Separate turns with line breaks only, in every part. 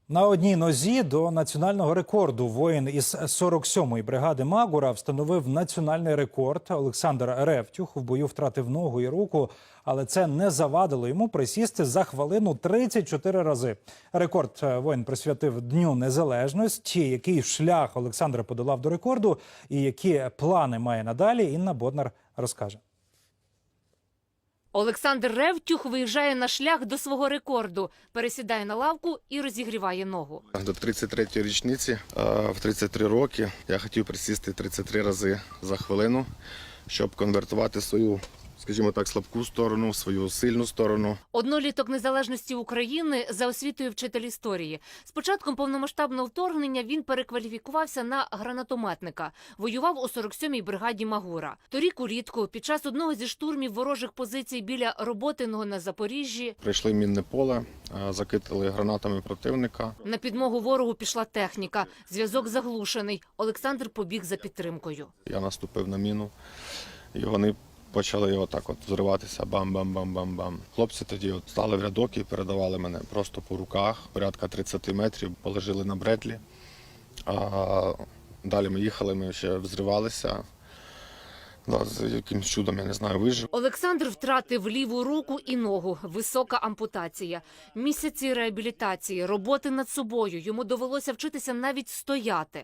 На одній нозі до національного рекорду воїн із 47-ї бригади Магура встановив національний рекорд. Олександр Ревтюх в бою втратив ногу і руку, але це не завадило йому присісти за хвилину 34 рази. Рекорд воїн присвятив Дню Незалежності. Який шлях Олександр подолав до рекорду і які плани має надалі, Інна Боднар розкаже.
Олександр Ревтюх виїжджає на шлях до свого рекорду, пересідає на лавку і розігріває ногу.
До 33-ї річниці, в 33 роки, я хотів присісти 33 рази за хвилину, щоб конвертувати свою, скажімо так, слабку сторону, в свою сильну сторону.
Одноліток незалежності України, за освітою вчитель історії. З початком повномасштабного вторгнення він перекваліфікувався на гранатометника. Воював у 47-й бригаді Магура. Торік улітку, під час одного зі штурмів ворожих позицій біля Роботиного на Запоріжжі,
Прийшли мінне поле, закидали гранатами противника.
на підмогу ворогу пішла техніка. Зв'язок заглушений. Олександр побіг за підтримкою.
Я наступив на міну, і вони почали отак от взриватися, бам-бам-бам-бам-бам. Хлопці тоді от стали в рядок і передавали мене просто по руках, порядка 30 метрів, положили на бретлі. А далі ми їхали, ми ще взривалися. З якимсь чудом, я не знаю, вижив.
Олександр втратив ліву руку і ногу. Висока ампутація. Місяці реабілітації, роботи над собою. Йому довелося вчитися навіть стояти.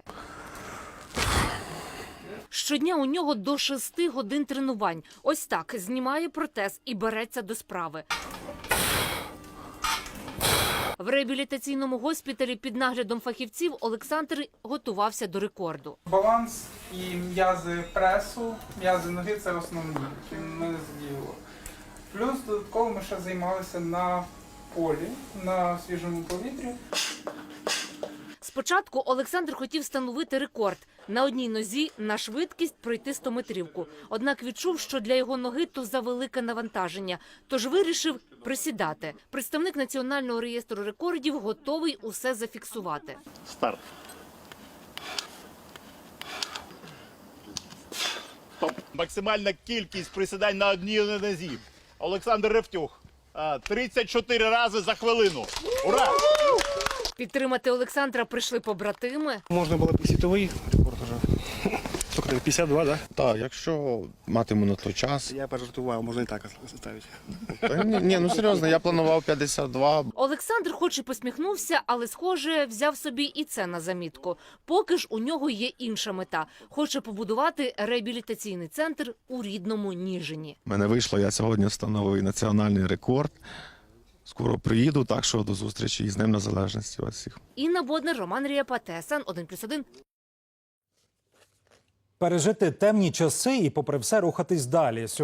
Щодня у нього до 6 годин тренувань. Ось так знімає протез і береться до справи. В реабілітаційному госпіталі під наглядом фахівців Олександр готувався до рекорду.
Баланс і м'язи пресу, м'язи ноги – це основні, які ми задіяли. Плюс додатково ми ще займалися на полі, на свіжому повітрі.
Спочатку Олександр хотів встановити рекорд – на одній нозі на швидкість пройти 100-метрівку. Однак відчув, що для його ноги то завелике навантаження, тож вирішив присідати. Представник Національного реєстру рекордів готовий усе зафіксувати.
Старт. Максимальна кількість присідань на одній нозі. Олександр Ревтюх. 34 рази за хвилину. Ура!
Підтримати Олександра прийшли побратими.
Можна було б і світовий рекорд вже. Тільки 52, да?
Так, якщо матиму на той час.
Я пожартував, можна і так ставити.
Ні, ну серйозно, я планував 52.
Олександр хоч і посміхнувся, але, схоже, взяв собі і це на замітку. Поки ж у нього є інша мета. Хоче побудувати реабілітаційний центр у рідному Ніжині.
У мене вийшло, я сьогодні встановив національний рекорд. Скоро приїду, так що до зустрічі і з Днем Незалежності вас всіх.
Інна Боднар, Роман Ріапа, ТСН 1+1.
Пережити темні часи і попри все рухатись далі.